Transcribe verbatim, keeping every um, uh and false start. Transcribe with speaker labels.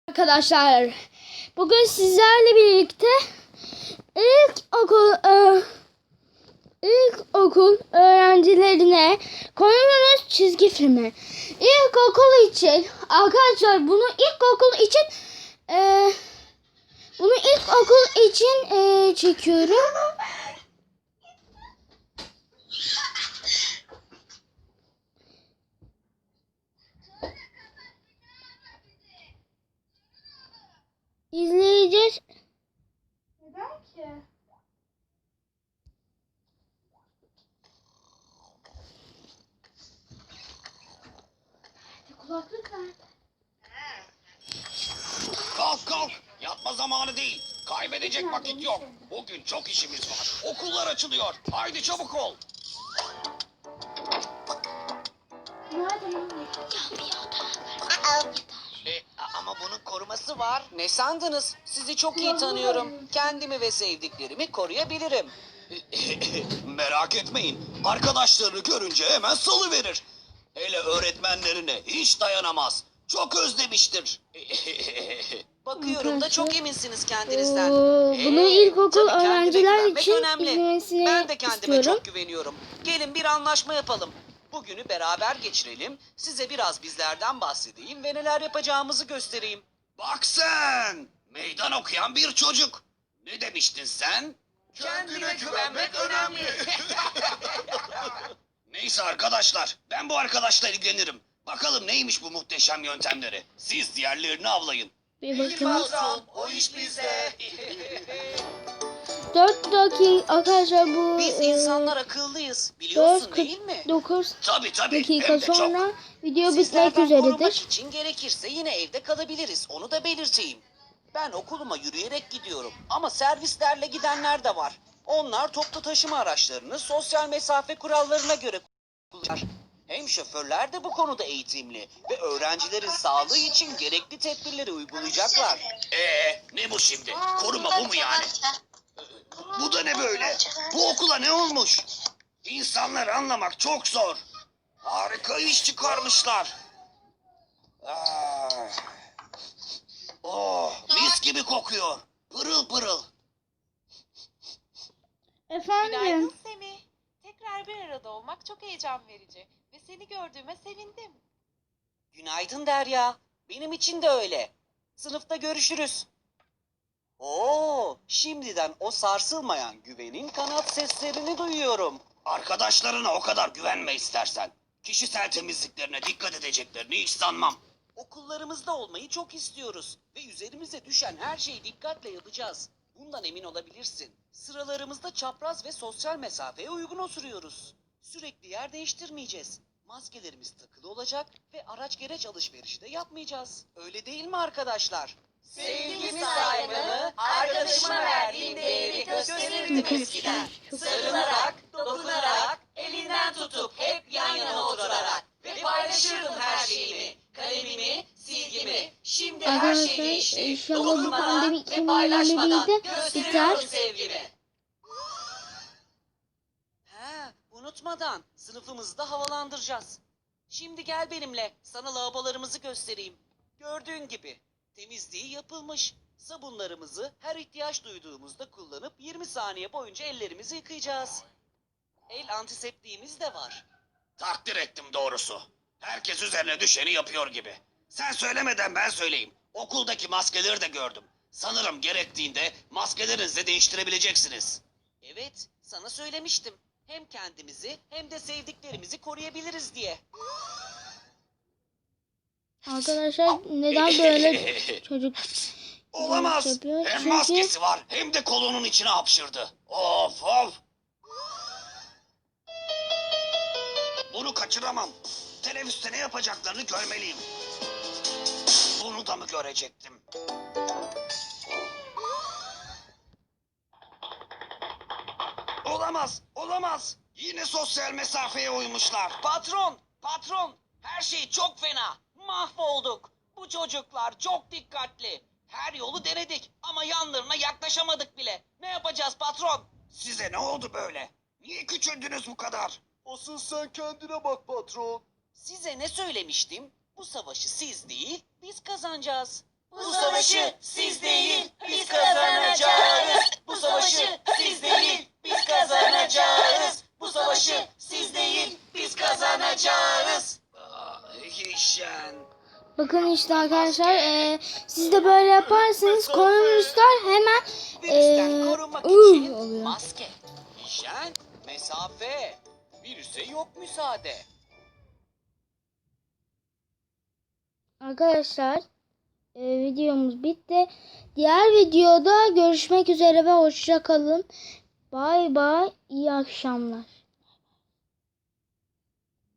Speaker 1: Arkadaşlar, bugün sizlerle birlikte ilk okul e, ilk okul öğrencilerine konumuz çizgi filmi. İlk okul için arkadaşlar, bunu ilk okul için e, bunu ilk okul için e, çekiyorum. İzleyeceğiz.
Speaker 2: Neden ki? Kulaklık nerede?
Speaker 3: Kalk kalk. Yatma zamanı değil. Kaybedecek vakit yok. Bugün çok işimiz var. Okullar açılıyor. Haydi çabuk ol.
Speaker 2: Nerede lan?
Speaker 3: E, a- ama bunun koruması var. Ne sandınız? Sizi çok iyi tanıyorum. Kendimi ve sevdiklerimi koruyabilirim. Merak etmeyin. Arkadaşlarını görünce hemen salıverir. Hele öğretmenlerine hiç dayanamaz. Çok özlemiştir. Bakıyorum da çok eminsiniz kendinizden.
Speaker 1: Oo,
Speaker 3: Ee,
Speaker 1: bunu ilkokul
Speaker 3: tabii kendime
Speaker 1: öğrenciler
Speaker 3: güvenmek
Speaker 1: için
Speaker 3: önemli.
Speaker 1: izlemesini
Speaker 3: Ben de kendime
Speaker 1: istiyorum.
Speaker 3: çok güveniyorum. Gelin bir anlaşma yapalım. Bugünü beraber geçirelim. Size biraz bizlerden bahsedeyim ve neler yapacağımızı göstereyim. Bak sen! Meydan okuyan bir çocuk. Ne demiştin sen? Kendine güvenmek önemli. Neyse arkadaşlar, ben bu arkadaşla ilgilenirim. Bakalım neymiş bu muhteşem yöntemleri. Siz diğerlerini avlayın.
Speaker 1: Bir bakın.
Speaker 3: o iş bizde.
Speaker 1: dört dakika arkadaşlar, bu
Speaker 3: Biz
Speaker 1: e,
Speaker 3: insanlar akıllıyız. Biliyorsun
Speaker 1: dört
Speaker 3: değil mi?
Speaker 1: kırk dokuz
Speaker 3: Tabii tabii.
Speaker 1: dakika
Speaker 3: Hem de çok.
Speaker 1: sonra video bitmek
Speaker 3: Sizlerden korumak
Speaker 1: üzeredir.
Speaker 3: için gerekirse yine evde kalabiliriz. Onu da belirteyim. Ben okuluma yürüyerek gidiyorum. Ama servislerle gidenler de var. Onlar toplu taşıma araçlarını sosyal mesafe kurallarına göre kullanır. Hem şoförler de bu konuda eğitimli ve öğrencilerin sağlığı için gerekli tedbirleri uygulayacaklar. Ee, ne bu şimdi? Koruma bu mu yani? Bu da ne böyle? Bu okula ne olmuş? İnsanları anlamak çok zor. Harika iş çıkarmışlar. Ah. Oh, mis gibi kokuyor. Pırıl pırıl.
Speaker 1: Efendim,
Speaker 4: Günaydın Semih. Tekrar bir arada olmak çok heyecan verici ve seni gördüğüme sevindim.
Speaker 3: Günaydın Derya. Benim için de öyle. Sınıfta görüşürüz. Oo, şimdiden o sarsılmayan güvenin kanat seslerini duyuyorum. Arkadaşlarına o kadar güvenme istersen. Kişisel temizliklerine dikkat edeceklerini hiç sanmam. Okullarımızda olmayı çok istiyoruz ve üzerimize düşen her şeyi dikkatle yapacağız. Bundan emin olabilirsin. Sıralarımızda çapraz ve sosyal mesafeye uygun oturuyoruz. Sürekli yer değiştirmeyeceğiz. Maskelerimiz takılı olacak ve araç gereç alışverişi de yapmayacağız. Öyle değil mi arkadaşlar? Sevgimi saygımı, arkadaşıma verdiğim değeri gösterirdim eskiden. Sarılarak, dokunarak, elinden tutup hep yan yana oturarak ve paylaşırdım her şeyimi. Kalemimi, silgimi. Şimdi her şey
Speaker 1: arkadaşlar
Speaker 3: değişti.
Speaker 1: inşallah bu
Speaker 3: Dokunmadan
Speaker 1: pandemi
Speaker 3: ve
Speaker 1: iki bin yirmi
Speaker 3: paylaşmadan
Speaker 1: birde
Speaker 3: gösteriyorum
Speaker 1: biter.
Speaker 3: sevgimi. He, unutmadan sınıfımızda havalandıracağız. Şimdi gel benimle, sana lavabolarımızı göstereyim. Gördüğün gibi temizliği yapılmış. Sabunlarımızı her ihtiyaç duyduğumuzda kullanıp yirmi saniye boyunca ellerimizi yıkayacağız. El antiseptiğimiz de var. Takdir ettim doğrusu. Herkes üzerine düşeni yapıyor gibi. Sen söylemeden ben söyleyeyim. Okuldaki maskeleri de gördüm. Sanırım gerektiğinde maskelerinizi değiştirebileceksiniz. Evet, sana söylemiştim. Hem kendimizi hem de sevdiklerimizi koruyabiliriz diye.
Speaker 1: Arkadaşlar, neden böyle çocuk
Speaker 3: Olamaz.
Speaker 1: yapıyor?
Speaker 3: Hem
Speaker 1: Çünkü
Speaker 3: maskesi var hem de kolunun içine hapşırdı. Of of. Bunu kaçıramam. Teneffüste ne yapacaklarını görmeliyim. Bunu da mı görecektim? Olamaz, olamaz. Yine sosyal mesafeye uymuşlar. Patron, patron. Her şey çok fena. Mahvolduk. Bu çocuklar çok dikkatli. Her yolu denedik ama yanlarına yaklaşamadık bile. Ne yapacağız patron? Size ne oldu böyle? Niye küçüldünüz bu kadar?
Speaker 5: Asıl sen kendine bak patron.
Speaker 3: Size ne söylemiştim? Bu savaşı siz değil, biz kazanacağız. Bu savaşı siz değil, biz kazanacağız. Bu savaşı siz değil, biz kazanacağız. Bu savaşı siz değil, biz kazanacağız. Ah, Hişen.
Speaker 1: Bakın işte arkadaşlar e, siz de böyle yaparsanız komünistler hemen
Speaker 3: Virüsten
Speaker 1: e,
Speaker 3: korunmak
Speaker 1: ıı
Speaker 3: için
Speaker 1: oluyor.
Speaker 3: maske, hijyen, mesafe, virüse yok müsaade.
Speaker 1: Arkadaşlar e, videomuz bitti. Diğer videoda görüşmek üzere ve hoşça kalın. Bay bay. İyi akşamlar.